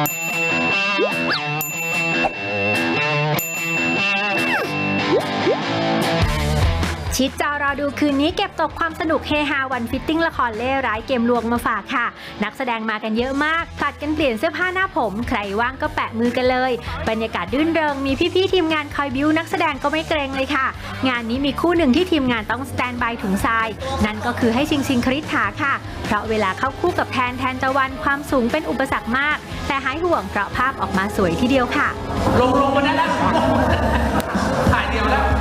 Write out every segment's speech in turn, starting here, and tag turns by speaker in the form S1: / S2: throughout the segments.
S1: ชิดจอรอดูคืนนี้เก็บตกความสนุกเฮฮาวันฟิตติ้งละครเล่ร้ายเกมลวงมาฝากค่ะนักแสดงมากันเยอะมากผลัดกันเปลี่ยนเสื้อผ้าหน้าผมใครว่างก็แปะมือกันเลยบรรยากาศรื่นเริงมีพี่ๆทีมงานคอยบิ้วนักแสดงก็ไม่เกรงเลยค่ะงานนี้มีคู่หนึ่งที่ทีมงานต้องสแตนบายถุงทรายนั่นก็คือให้ชิงคริสถาค่ะเพราะเวลาเข้าคู่กับแทนตะวันความสูงเป็นอุปสรรคมากแต่หายห่วงเพราะภาพออกมาสวยทีเดียวค่ะ
S2: ลงมาได้แล้วถ่ายเดียวแล้ว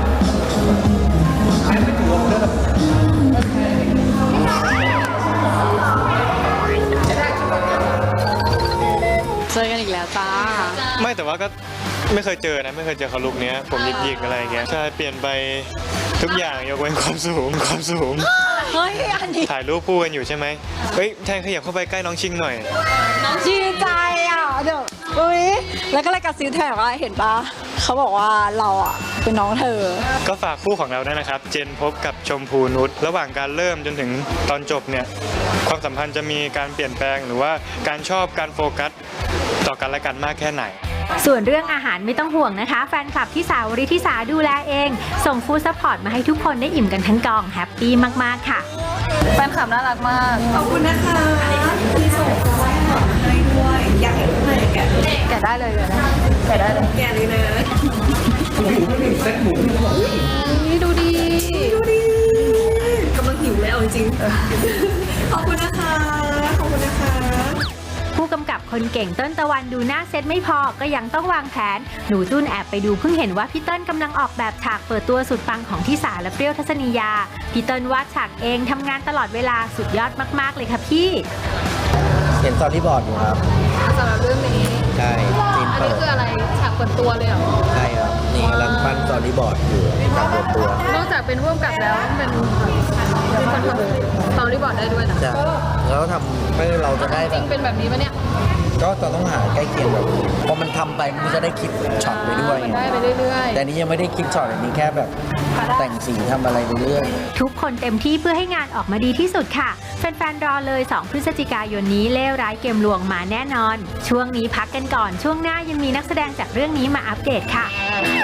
S3: เจอกันอีกแล้วจ้า
S4: ไม่แต่ว่าก็ไม่เคยเจอนะไม่เคยเจอเขาลุคนี้ผมหยิกๆอะไรเงี้ยใช่เปลี่ยนไปทุกอย่างยกเว้นความสูง
S3: เฮ้ยอันนี้
S4: ถ่ายรูปคู่กันอยู่ใช่ไหมเฮ้ยแทนขยับเข้าไปใกล้น้องชิงหน่อย
S3: ดีใจอ่ะเดี๋ยวอุ้ยแล้วก็เลยกระซิบแทนว่าเห็นปะเขาบอกว่าเราอ่ะเป็นน้องเธอ
S4: ก็ฝากคู่ของเราด้วยนะครับเจนพบกับชมพูนุชระหว่างการเริ่มจนถึงตอนจบเนี่ยความสัมพันธ์จะมีการเปลี่ยนแปลงหรือว่าการชอบการโฟกัสต่อกันและกันมากแค่ไหน
S1: ส่วนเรื่องอาหารไม่ต้องห่วงนะคะแฟนคลับที่สาวริธิสาดูแลเองส่งฟู้ดซัพพอร์ตมาให้ทุกคนได้อิ่มกันทั้งกองแฮปปี้มากๆค่ะ
S3: แฟนคลับน่ารักมาก
S5: ขอบคุณนะคะที่ส่งฟู้ดซัพพอร์ตให้ด้วยอยากเห็นข้างในแกะ
S3: ได้เลยนะแกะได้เลย
S5: แกะเลยนะ
S3: ดูดี
S5: กำลังหิวเลยเอาจริงขอบคุณนะคะ
S1: ผู้กำกับคนเก่งเติ้ลตะวันดูหน้าเซตไม่พอก็ยังต้องวางแผนหนูตุ้นแอบไปดูเพิ่งเห็นว่าพี่เติ้ลกำลังออกแบบฉากเปิดตัวสุดปังของทิสาและเปรี้ยวทัศนียาพี่เติ้ลวาดฉากเองทำงานตลอดเวลาสุดยอดมากๆเลยค่ะพี่
S6: เห็นสตอรี่บอร์ดอยู่ครับ
S3: สำหรับเรื่องนี้
S6: ใช่
S3: อันนี้คืออะไรฉากเปิดตัวเลยเหรอ
S6: ใช่ครับนี่กำลังปั้นสตอรี่บอร์ดอยู่ฉากเปิดตัวน
S3: อกจากเป็นร่วมกับแล้วเป็นคนทำสตอรี่บอร์ดได้ด้วยนะ
S6: ใช่แล้วทำให้เราจะได้
S3: จริงเป็นแบบนี้ปะเนี่ย
S6: ก็ต้องหาใกล้เคียงแบบพอมันทำไปมันจะได้คิดช็อตไปด้วย
S3: ได้ไปเรื่อย
S6: ๆแต่นี้ยังไม่ได้คิดช็อตอันนี้แค่แบบแต่งสีทำอะไรไปเรื่อย
S1: ทุกคนเต็มที่เพื่อให้งานออกมาดีที่สุดค่ะแฟนๆรอเลย2พฤศจิกายนนี้เล่ร้ายเกมลวงมาแน่นอนช่วงนี้พักกันก่อนช่วงหน้ายังมีนักแสดงจากเรื่องนี้มาอัปเดตค่ะ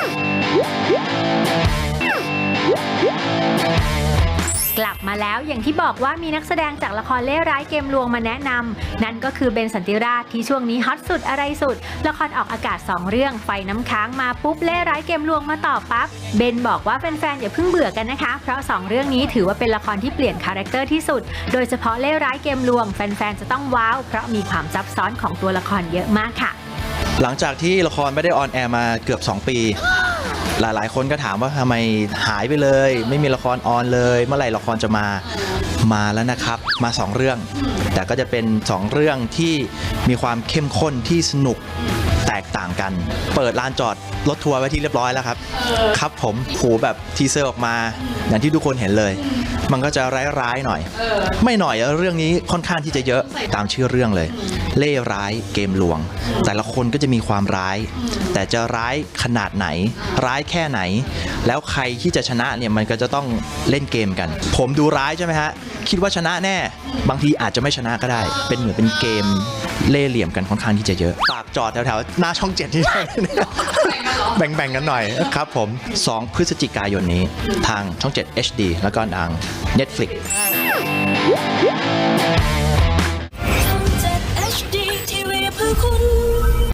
S1: กลับมาแล้วอย่างที่บอกว่ามีนักแสดงจากละครเล่ร้ายเกมลวงมาแนะนำนั่นก็คือเบนสันติราชที่ช่วงนี้ฮอตสุดอะไรสุดละครออกอากาศ2เรื่องไฟน้ำค้างมาปุ๊บเล่ร้ายเกมลวงมาต่อปั๊บเบนบอกว่าแฟนๆอย่าเพิ่งเบื่อกันนะคะเพราะ2เรื่องนี้ถือว่าเป็นละครที่เปลี่ยนคาแรคเตอร์ที่สุดโดยเฉพาะเล่ร้ายเกมลวงแฟนๆจะต้องว้าวเพราะมีความซับซ้อนของตัวละครเยอะมากค่ะ
S7: หลังจากที่ละครไม่ได้ออนแอร์มาเกือบ2 ปีหลายๆคนก็ถามว่าทำไมหายไปเลยไม่มีละครออนเลยเมื่อไหร่ละครจะมาแล้วนะครับมา2เรื่องแต่ก็จะเป็น2เรื่องที่มีความเข้มข้นที่สนุกแตกต่างกันเปิดลานจอดรถทัวร์ไว้ที่เรียบร้อยแล้วครับผมหูแบบทีเซอร์ออกมาอย่างที่ทุกคนเห็นเลยมันก็จะร้ายๆหน่อยไม่หน่อยเรื่องนี้ค่อนข้างที่จะเยอะตามชื่อเรื่องเลยเล่ร้ายเกมลวงแต่ละคนก็จะมีความร้ายแต่จะร้ายขนาดไหนร้ายแค่ไหนแล้วใครที่จะชนะเนี่ยมันก็จะต้องเล่นเกมกันผมดูร้ายใช่ไหมฮะคิดว่าชนะแน่บางทีอาจจะไม่ชนะก็ได้เป็นเหมือนเป็นเกมเล่เหลี่ยมกันค่อนข้างที่จะเยอะฝากจอดแถวๆหน้าช่อง7ที่แบ่งกันหน่อยครับผม2พฤศจิกายนนี้ทางช่อง7 HD แล้วก็ทาง Netflix
S8: ช่อง7 HD TV เพื่อคุณ